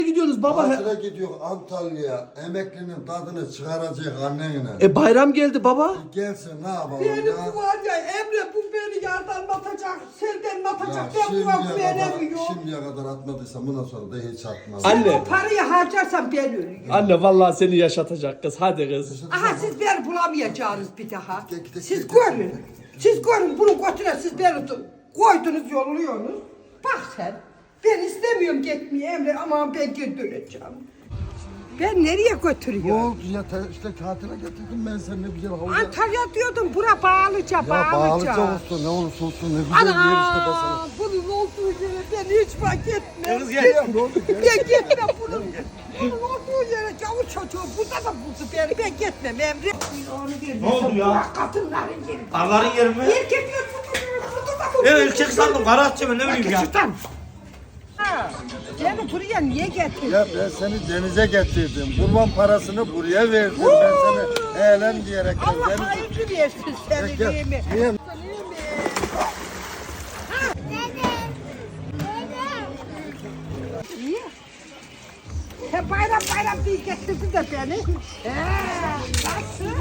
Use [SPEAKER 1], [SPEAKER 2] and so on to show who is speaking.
[SPEAKER 1] gidiyorsunuz baba?
[SPEAKER 2] Tatile gidiyor Antalya. Emeklinin tadını çıkaracak annenle.
[SPEAKER 1] Bayram geldi baba.
[SPEAKER 2] Gelsin ne yapalım
[SPEAKER 3] Benim
[SPEAKER 2] ya.
[SPEAKER 3] bu var ya Emre bu beni yardan atacak, selden atacak.
[SPEAKER 2] Ya
[SPEAKER 3] Ben bu veremiyorum.
[SPEAKER 2] şimdiye kadar atmadıysam bundan sonra da hiç atmaz.
[SPEAKER 1] Anne.
[SPEAKER 3] O parayı harcarsam ben ölüyorum.
[SPEAKER 1] Anne vallahi seni yaşatacak kız. Hadi kız.
[SPEAKER 3] Aha siz beni bulamayacağınız bir daha.
[SPEAKER 2] Gel,
[SPEAKER 3] Siz
[SPEAKER 2] gel,
[SPEAKER 3] görün. Siz görün bunu götüre siz beni koydunuz yolluyorsunuz. Bak sen. Ben istemiyorum gitmeyi Emre ama ben geri döneceğim. Ben nereye
[SPEAKER 2] Ne
[SPEAKER 3] götürüyorum?
[SPEAKER 2] oldu ya işte tatile getirdim ben seni ne güzel havuzda.
[SPEAKER 3] Antalya diyordum bura Bağlıca,
[SPEAKER 2] Ya
[SPEAKER 3] Bağlıca.
[SPEAKER 2] bağlıca olsun ne olursa olsun ne güzel bir yer işte ben sana.
[SPEAKER 3] Ana bunun olduğu yere ben hiç fark etmem.
[SPEAKER 1] Kız gel.
[SPEAKER 2] Ne oldu?
[SPEAKER 3] Ben gitmem bunun olduğu yere gavur çocuğu burada da buldu beni. Ben gitmem Emre.
[SPEAKER 4] Ne oldu ya?
[SPEAKER 3] Kadınların yeri.
[SPEAKER 4] Arların yeri mi?
[SPEAKER 3] Erkekler burada da buldu.
[SPEAKER 4] Ben erkek sandım. Karahatçı mı ne bileyim ya.
[SPEAKER 3] Şuradan. Ha, beni buraya niye getirdin?
[SPEAKER 2] Ya ben seni denize getirdim. Kurban parasını buraya verdim. Ben seni eğlen diyerek.
[SPEAKER 3] Allah hayırlı versin seni
[SPEAKER 2] Gel,
[SPEAKER 3] değil mi?
[SPEAKER 2] niye?
[SPEAKER 3] Niye? He bayram bayram diye getirdin de beni. He, nasıl?